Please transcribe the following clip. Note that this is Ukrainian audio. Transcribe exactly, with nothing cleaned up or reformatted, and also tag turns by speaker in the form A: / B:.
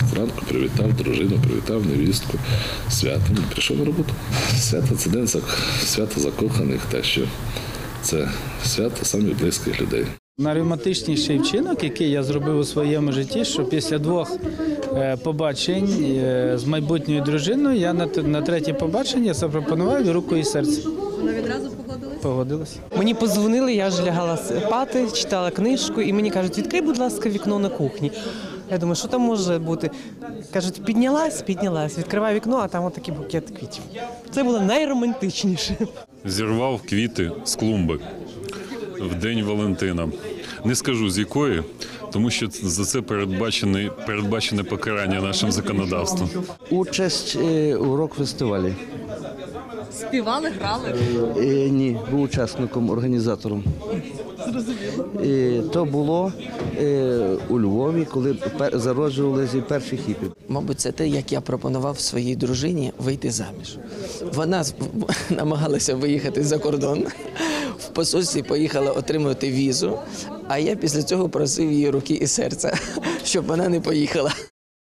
A: Зранку привітав дружину, привітав невістку святом і пішов на роботу. Свято – це день свято закоханих, те, що це свято самих близьких людей.
B: Найромантичніший вчинок, який я зробив у своєму житті, що після двох побачень з майбутньою дружиною я на третє побачення запропонував руку і серце.
C: Вона відразу погодилась?
B: Погодилась.
D: Мені подзвонили, я ж лягала спати, читала книжку, і мені кажуть, відкрий, будь ласка, вікно на кухні. Я думаю, що там може бути? Кажуть, піднялась, піднялась, відкриваю вікно, а там отакий букет квітів. Це було найромантичніше.
E: Зірвав квіти з клумби в день Валентина. Не скажу з якої, тому що за це передбачене, передбачене покарання нашим законодавством.
F: Участь у рок-фестивалі.
C: Співали, грали?
F: Е, ні, був учасником, організатором. Е, то було е, у Львові, коли пер, зароджувалися перші хіпі.
G: Мабуть, це те, як я пропонував своїй дружині вийти заміж. Вона намагалася виїхати за кордон, в посольстві поїхала отримувати візу, а я після цього просив її руки і серця, щоб вона не поїхала.